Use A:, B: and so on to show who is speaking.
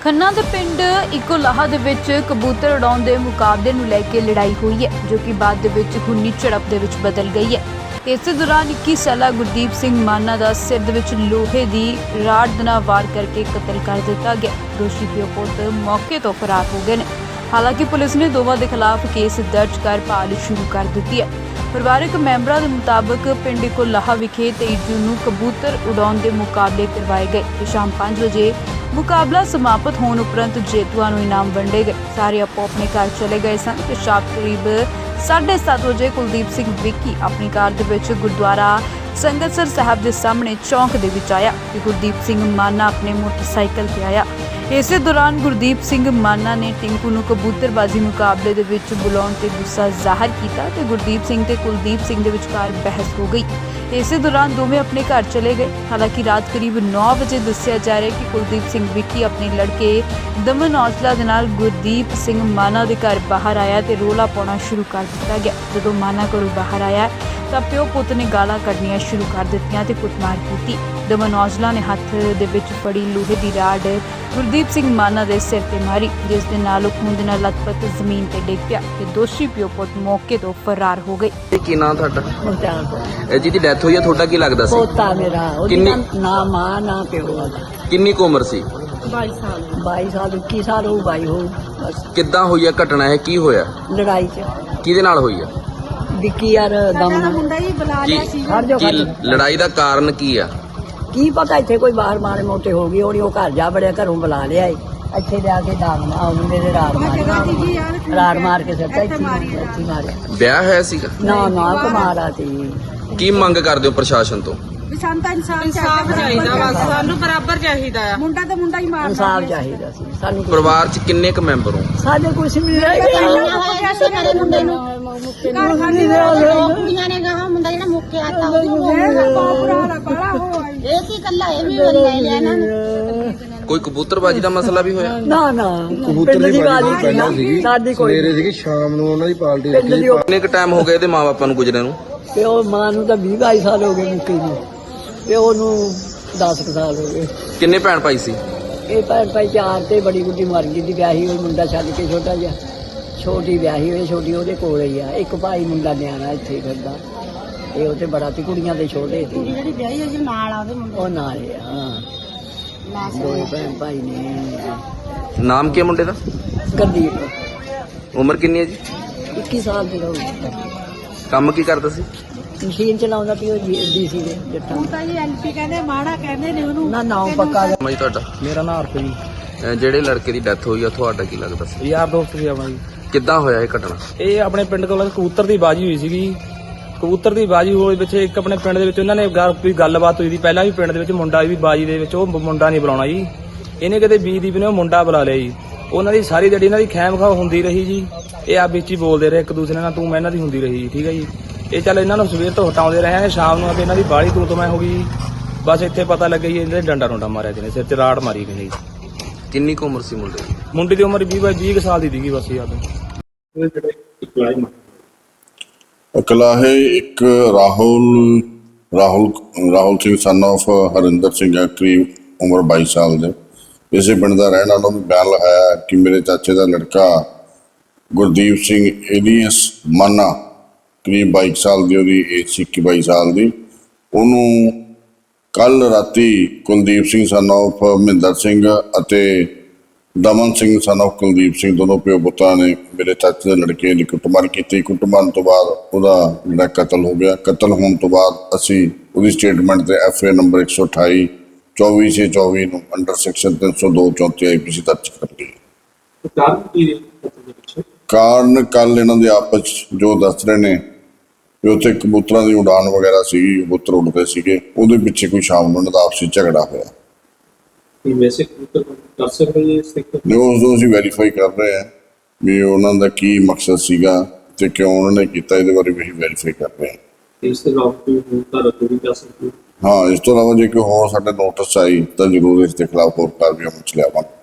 A: ਖੰਨਾ ਦੇ ਪਿੰਡ ਇਕੋਲਾਹਾ ਦੇ ਵਿੱਚ ਕਬੂਤਰ ਉਡਾਉਣ ਦੇ ਮੁਕਾਬਲੇ ਨੂੰ ਲੈ ਕੇ ਲੜਾਈ ਹੋਈ ਹੈ, ਜੋ ਕਿ ਬਾਅਦ ਦੇ ਵਿੱਚ ਖੂਨੀ ਝੜਪ ਦੇ ਵਿੱਚ ਬਦਲ ਗਈ ਹੈ। ਇਸੇ ਦੌਰਾਨ 21 ਸਾਲਾ ਗੁਰਦੀਪ ਸਿੰਘ ਮਾਨਾ ਦਾ ਸਿਰ ਦੇ ਵਿੱਚ ਲੋਹੇ ਦੀ ਰਾੜ ਦੇ ਨਾਲ ਵਾਰ ਕਰਕੇ ਕਤਲ ਕਰ ਦਿੱਤਾ ਗਿਆ। ਦੋਸ਼ੀ ਪਿਓ ਪੁੱਤ ਮੌਕੇ ਤੋਂ ਫਰਾਰ ਹੋ ਗਏ ਨੇ। ਹਾਲਾਂਕਿ ਪੁਲਿਸ ਨੇ ਦੋਵਾਂ ਦੇ ਖਿਲਾਫ ਕੇਸ ਦਰਜ ਕਰ ਭਾਲ ਸ਼ੁਰੂ ਕਰ ਦਿੱਤੀ ਹੈ। ਪਰਿਵਾਰਕ ਮੈਂਬਰਾਂ ਦੇ ਮੁਤਾਬਕ ਪਿੰਡ ਇਕੋਲਾਹਾ ਵਿਖੇ 23 ਜੂਨ ਨੂੰ ਕਬੂਤਰ ਉਡਾਉਣ ਦੇ ਮੁਕਾਬਲੇ ਕਰਵਾਏ ਗਏ ਤੇ ਸ਼ਾਮ 5 ਵਜੇ ਮੁਕਾਬਲਾ ਸਮਾਪਤ ਹੋਣ ਉਪਰੰਤ ਜੇਤੂਆਂ ਨੂੰ ਇਨਾਮ ਵੰਡੇ ਗਏ। ਸਾਰੇ ਆਪੋ ਆਪਣੇ ਘਰ ਚਲੇ ਗਏ ਸਨ ਤੇ ਸ਼ਾਮ ਕਰੀਬ 7:30 ਵਜੇ ਕੁਲਦੀਪ ਸਿੰਘ ਵਿੱਕੀ ਆਪਣੀ ਕਾਰ ਦੇ ਵਿੱਚ ਗੁਰਦੁਆਰਾ ਸੰਗਤਸਰ ਸਾਹਿਬ ਦੇ ਸਾਹਮਣੇ ਚੌਂਕ ਦੇ ਵਿੱਚ ਆਇਆ ਤੇ ਗੁਰਦੀਪ ਸਿੰਘ ਮਾਨਾ ਆਪਣੇ ਮੋਟਰਸਾਈਕਲ ਤੇ ਆਇਆ। ਇਸੇ ਦੌਰਾਨ ਗੁਰਦੀਪ ਸਿੰਘ ਮਾਨਾ ਨੇ ਟਿੰਕੂ ਨੂੰ ਕਬੂਤਰਬਾਜ਼ੀ ਮੁਕਾਬਲੇ ਦੇ ਵਿੱਚ ਬੁਲਾਉਣ ਤੇ ਗੁੱਸਾ ਜ਼ਾਹਰ ਕੀਤਾ ਤੇ ਗੁਰਦੀਪ ਸਿੰਘ ਤੇ ਕੁਲਦੀਪ ਸਿੰਘ ਦੇ ਵਿਚਕਾਰ ਬਹਿਸ ਹੋ ਗਈ। ਇਸੇ ਦੌਰਾਨ ਦੋਵੇਂ ਆਪਣੇ ਘਰ ਚਲੇ ਗਏ। ਹਾਲਾਂਕਿ ਰਾਤ ਕਰੀਬ 9 ਵਜੇ ਦੱਸਿਆ ਜਾ ਰਿਹਾ ਹੈ ਕਿ ਕੁਲਦੀਪ ਸਿੰਘ ਵਿੱਕੀ ਆਪਣੇ ਲੜਕੇ ਦਮਨ ਔਜਲਾ ਦੇ ਨਾਲ ਗੁਰਦੀਪ ਸਿੰਘ ਮਾਨਾ ਦੇ ਘਰ ਬਾਹਰ ਆਇਆ ਤੇ ਰੋਲਾ ਪਾਉਣਾ ਸ਼ੁਰੂ ਕਰ ਦਿੱਤਾ ਗਿਆ। ਜਦੋਂ ਮਾਨਾ ਘਰੋਂ ਬਾਹਰ ਆਇਆ ਤਾਂ ਪਿਓ ਪੁੱਤ ਨੇ ਗਾਲਾਂ ਕੱਢਣੀਆਂ ਸ਼ੁਰੂ ਕਰ ਦਿੱਤੀਆਂ ਤੇ ਕੁੱਟਮਾਰ ਕੀਤੀ। ਦਮਨ ਔਜਲਾ ਨੇ ਹੱਥ ਦੇ ਵਿੱਚ ਫੜੀ ਲੋਹੇ ਦੀ ਰਾੜ ਗੁਰਦੀਪ ਸਿੰਘ ਮਾਨਾ ਦੇ ਸਿਰ ਤੇ ਮਾਰੀ, ਜਿਸ ਦੇ ਨਾਲ ਉਹ ਖੂਨ ਦੇ ਨਾਲ ਲੱਥਪੱਥ ਜ਼ਮੀਨ ਤੇ ਡਿੱਗ ਪਿਆ ਤੇ ਦੋਸ਼ੀ ਪਿਓ ਪੁੱਤ ਮੌਕੇ ਤੋਂ ਫਰਾਰ ਹੋ ਗਏ।
B: ਕੀ ਨਾਮ ਤੁਹਾਡਾ?
C: ਮੁਖਤਾਰ
B: ਜਿਹਦੀ ਡੈਥ ਹੋਈ ਆ ਤੁਹਾਡਾ ਕੀ ਲੱਗਦਾ ਸੀ?
C: ਪੋਤਾ ਮੇਰਾ, ਉਹਦੀ ਨਾ ਮਾਂ ਨਾ ਪਿਓ।
B: ਕਿੰਨੀ ਕੁ ਉਮਰ ਸੀ?
C: 22 ਸਾਲ 21 ਸਾਲ ਹੋ 22 ਹੋ ਬਸ।
B: ਕਿੱਦਾਂ ਹੋਈ ਆ ਘਟਨਾ? ਇਹ ਕੀ ਹੋਇਆ?
C: ਲੜਾਈ ਚ
B: ਕਿਹਦੇ ਨਾਲ ਹੋਈ ਆ?
C: ਵਿੱਕੀ ਯਾਰ ਦਮਨ
B: ਕੀ ਲੜਾਈ ਦਾ ਕਾਰਨ ਕੀ ਆ?
C: ਕੀ ਪਤਾ, ਇੱਥੇ ਕੋਈ ਬਾਹਰ ਮਾਰੇ ਮੋਟੇ ਹੋ ਗਈ ਹੋਣੀ। ਉਹ ਘਰ ਜਾ ਬੜਿਆ, ਘਰੋਂ ਬੁਲਾ ਲਿਆ ਇੱਥੇ ਲਿਆ ਕੇ ਦਾਗਨਾ ਮੁੰਡੇ ਦੇ ਰਾੜ ਮਾਰ ਕੇ ਸੱਟਾ ਇੱਥੇ ਮਾਰਿਆ।
B: ਵਿਆਹ ਹੋਇਆ ਸੀਗਾ?
C: ਨਾ ਕੁਮਾਰਾ ਸੀ।
B: ਕੀ ਮੰਗ ਕਰਦੇ ਹੋ ਪ੍ਰਸ਼ਾਸਨ ਤੋਂ?
D: ਸਾਨੂੰ ਤਾਂ ਇਨਸਾਫ ਚਾਹੀਦਾ, ਬਸ ਸਾਨੂੰ ਬਰਾਬਰ ਚਾਹੀਦਾ ਆ। ਮੁੰਡਾ ਤਾਂ ਮੁੰਡਾ ਹੀ ਮਾਰਦਾ।
C: ਇਨਸਾਫ ਚਾਹੀਦਾ ਸੀ ਸਾਨੂੰ।
B: ਪਰਿਵਾਰ 'ਚ ਕਿੰਨੇ ਕੁ ਮੈਂਬਰ ਹੋ?
C: ਸਾਡੇ ਕੁਛ ਨਹੀਂ ਰਹਿ ਗਿਆ।
D: ਮੁੰਡੇ ਨੂੰ ਕੁੜੀਆਂ ਨੇ ਕਹਾ ਮੁੰਡਾ ਜਿਹੜਾ ਮੁੱਕੇ ਆਤਾ ਇਹ ਕੀ ਕੱਲਾ ਇਹ ਵੀ ਲੈ ਲਿਆ ਇਹਨਾਂ ਨੇ।
B: ਕੋਈ ਕਬੂਤਰਬਾਜੀ ਦਾ ਮਸਲਾ ਵੀ ਹੋਇਆ?
C: ਨਾ
E: ਕਬੂਤਰ ਦੀ ਪਾਰਟੀ ਪਹਿਲਾਂ ਸੀਗੀ,
C: ਸਾਡੀ ਕੋਈ
E: ਸਵੇਰੇ ਸੀਗੀ, ਸ਼ਾਮ ਨੂੰ ਉਹਨਾਂ ਦੀ ਪਾਰਟੀ
C: ਪਿੰਡ
E: ਰੱਖੀ।
C: ਦੀ
B: ਕਿੰਨੇ ਕੁ ਟਾਈਮ ਹੋ ਗਏ ਇਹਦੇ ਮਾਪਿਆਂ ਨੂੰ ਗੁਜਰੇ ਨੂੰ?
C: ਪਿਓ ਮਾਂ ਨੂੰ ਤਾਂ 20-22 ਸਾਲ ਹੋ ਗਏ ਮੁੱਕੀ ਨੂੰ, ਪਿਓ ਨੂੰ 10 ਸਾਲ ਹੋ ਗਏ।
B: ਕਿੰਨੇ ਭੈਣ ਭਾਈ ਸੀ?
C: ਇਹ ਭੈਣ ਭਾਈ 4 ਤੇ ਬੜੀ ਗੁੱਡੀ ਮਰ ਗਈ ਦੀ, ਵਿਆਹੀ ਹੋਈ ਮੁੰਡਾ ਛੱਡ ਕੇ ਛੋਟਾ ਜਿਹਾ। ਛੋਟੀ ਵਿਆਹੀ ਹੋਈ, ਛੋਟੀ ਉਹਦੇ ਕੋਲ ਹੀ ਆ। ਇੱਕ ਭਾਈ ਮੁੰਡਾ ਨਿਆਣਾ ਇੱਥੇ ਫਿਰਦਾ, ਇਹ ਉਹ ਤੇ ਬੜਾ ਤੇ ਕੁੜੀਆਂ ਦੇ ਛੋਟੇ ਸੀ।
D: ਜਿਹੜੀ ਵਿਆਹੀ ਹੋਈ ਨਾਲ ਆ ਉਹਦੇ ਮੁੰਡੇ
C: ਉਹ ਨਾਲ ਹੀ ਆ। ਹਾਂ, ਦੋਵੇਂ ਭੈਣ ਭਾਈ ਨੇ।
B: ਨਾਮ ਕੀ ਹੈ ਮੁੰਡੇ ਦਾ?
C: ਗੁਰਦੀਪ।
B: ਉਮਰ ਕਿੰਨੀ ਹੈ ਜੀ?
C: 21 ਸਾਲ ਦੀ ਹੋ ਗਈ।
B: ਕੰਮ ਕੀ ਕਰਦਾ ਸੀ?
C: ਮਸ਼ੀਨ ਚਲਾਉਂਦਾ ਪਿਓ ਡੀਸੀ ਦੇ ਜੱਟਾਂ।
D: ਹੁਣ ਤਾਂ ਜੀ ਐਲਪੀ ਕਹਿੰਦੇ ਮਾੜਾ ਕਹਿੰਦੇ ਨੇ ਉਹਨੂੰ।
C: ਨਾ ਨਾਮ ਪੱਕਾ
B: ਨਾਮ ਜੀ ਤੁਹਾਡਾ?
E: ਮੇਰਾ ਨਾਂ ਅਰਥ ਜੀ।
B: ਜਿਹੜੇ ਲੜਕੇ ਦੀ ਡੈਥ ਹੋਈ ਆ ਤੁਹਾਡਾ ਕੀ ਲੱਗਦਾ ਸੀ?
E: ਯਾਰ ਦੋਸਤ ਸੀ ਆਪਣਾ ਜੀ।
B: ਕਿੱਦਾਂ ਹੋਇਆ ਇਹ ਘਟਨਾ?
E: ਇਹ ਆਪਣੇ ਪਿੰਡ ਕੋਲ ਕਬੂਤਰ ਦੀ ਬਾਜੀ ਹੋਈ ਸੀਗੀ। ਕਬੂਤਰ ਦੀ ਬਾਜੀ ਹੋਏ ਵਿੱਚ ਇੱਕ ਆਪਣੇ ਪਿੰਡ ਦੇ ਵਿੱਚ ਉਹਨਾਂ ਨੇ ਕੋਈ ਗੱਲਬਾਤ ਹੋਈ ਸੀ ਪਹਿਲਾਂ ਵੀ। ਪਿੰਡ ਦੇ ਵਿੱਚ ਮੁੰਡਾ ਵੀ ਬਾਜੀ ਦੇ ਵਿੱਚ, ਉਹ ਮੁੰਡਾ ਨਹੀਂ ਬੁਲਾਉਣਾ ਜੀ। ਇਹਨੇ ਕਿਤੇ ਬੀਦੀਪ ਨੇ ਉਹ ਮੁੰਡਾ ਬੁਲਾ ਲਿਆ ਜੀ। ਉਹਨਾਂ ਦੀ ਸਾਰੀ ਜਿਹੜੀ ਇਹਨਾਂ ਦੀ ਖੈਮ ਖਾਓ ਹੁੰਦੀ ਰਹੀ ਜੀ। ਇਹ ਆ ਵਿੱਚ ਹੀ ਬੋਲਦੇ ਰਹੇ ਇੱਕ ਦੂਸਰੇ ਨਾਲ, ਤੂੰ ਮੈਂ ਇਹਨਾਂ ਦੀ ਹੁੰਦੀ ਰਹੀ ਜੀ। ਠੀਕ ਹੈ ਜੀ। ਇਹ ਚੱਲ ਇਹਨਾਂ ਨੂੰ ਸਵੇਰ ਤੋਂ ਹਟਾਉਂਦੇ ਰਹੇ, ਸ਼ਾਮ ਨੂੰ ਇਹਨਾਂ ਦੀ ਬਾਹਲੀ ਤੂੰ ਮੈਂ ਹੋ ਗਈ। ਬਸ ਇੱਥੇ ਪਤਾ ਲੱਗਿਆ ਜੀ ਇਹਦੇ ਡੰਡਾ ਮਾਰਿਆ ਜਿਹਨੇ, ਸਿਰ 'ਚ ਰਾੜ ਮਾਰੀ ਗਈ।
B: ਕਿੰਨੀ ਕੁ ਉਮਰ ਸੀ ਮੁੰਡੇ ਦੀ?
E: ਮੁੰਡੇ ਦੀ ਉਮਰ 20 ਸਾਲ ਦੀ ਸੀਗੀ ਬਸ ਯਾਦ।
F: ਇਕਲਾਹੇ ਇੱਕ ਰਾਹੁਲ ਸਿੰਘ ਸਨ ਆਫ ਹਰਿੰਦਰ ਸਿੰਘ ਹੈ, ਕਰੀਬ ਉਮਰ 22 ਸਾਲ ਦੇ। ਇਸੇ ਪਿੰਡ ਦਾ ਰਹਿਣ ਵਾਲਾ ਨੂੰ ਬਿਆਨ ਲਗਾਇਆ ਕਿ ਮੇਰੇ ਚਾਚੇ ਦਾ ਲੜਕਾ ਗੁਰਦੀਪ ਸਿੰਘ ਏਲੀਅਸ ਮਾਨਾ, ਕਰੀਬ 22 ਸਾਲ ਦੀ ਉਹਦੀ ਏਜ ਸੀ, 21-22 ਸਾਲ ਦੀ। ਉਹਨੂੰ ਕੱਲ ਰਾਤੀ ਕੁਲਦੀਪ ਸਿੰਘ ਸਨ ਆਫ ਮਹਿੰਦਰ ਸਿੰਘ ਅਤੇ ਦਮਨ ਸਿੰਘ ਸਨ ਆਫ ਕੁਲਦੀਪ ਸਿੰਘ, ਦੋਨੋਂ ਪਿਓ ਪੁੱਤਾਂ ਨੇ ਮੇਰੇ ਚਾਚੇ ਦੇ ਲੜਕੇ ਦੀ ਕੁੱਟਮਾਰ ਕੀਤੀ। ਕੁੱਟਮਾਰ ਤੋਂ ਬਾਅਦ ਉਹਦਾ ਜਿਹੜਾ ਕਤਲ ਹੋ ਗਿਆ। ਕਤਲ ਹੋਣ ਤੋਂ ਬਾਅਦ ਅਸੀਂ ਉਹਦੀ ਸਟੇਟਮੈਂਟ ਤੇ FA ਨੰਬਰ 128 24/24 ਨੂੰ ਅੰਡਰ ਸੈਕਸ਼ਨ 302/34 IPC ਦਰਜ ਕਰ ਲਈ। ਕਾਰਨ ਕੱਲ ਇਹਨਾਂ ਦੇ ਆਪਸ 'ਚ ਜੋ ਦੱਸ ਰਹੇ ਨੇ ਵੀ ਉੱਥੇ ਕਬੂਤਰਾਂ ਦੀ ਉਡਾਨ ਵਗੈਰਾ ਸੀਗੀ, ਕਬੂਤਰ ਉੱਡਦੇ ਸੀਗੇ, ਉਹਦੇ ਪਿੱਛੇ ਕੋਈ ਸ਼ਾਮ ਨੂੰ ਇਹਨਾਂ ਦਾ ਆਪਸੀ ਝਗੜਾ ਹੋਇਆ। ਨਹੀਂ, ਉਸਨੂੰ ਅਸੀਂ ਵੈਰੀਫਾਈ ਕਰ ਰਹੇ ਹਾਂ ਵੀ ਉਹਨਾਂ ਦਾ ਕੀ ਮਕਸਦ ਸੀਗਾ ਤੇ ਕਿਉਂ ਉਹਨਾਂ ਨੇ ਕੀਤਾ, ਇਹਦੇ ਬਾਰੇ ਵੀ ਅਸੀਂ ਵੈਰੀਫਾਈ ਕਰ ਰਹੇ ਹਾਂ। ਹਾਂ, ਇਸ ਤੋਂ ਇਲਾਵਾ ਜੇ ਕੋਈ ਹੋਰ ਸਾਡੇ ਨੋਟਿਸ ਆਈ ਤਾਂ ਜ਼ਰੂਰ ਇਸ ਦੇ ਖਿਲਾਫ ਹੋਰ ਕਾਰਵਾਈ ਅਮਲ 'ਚ ਲਿਆਵਾਂਗੇ।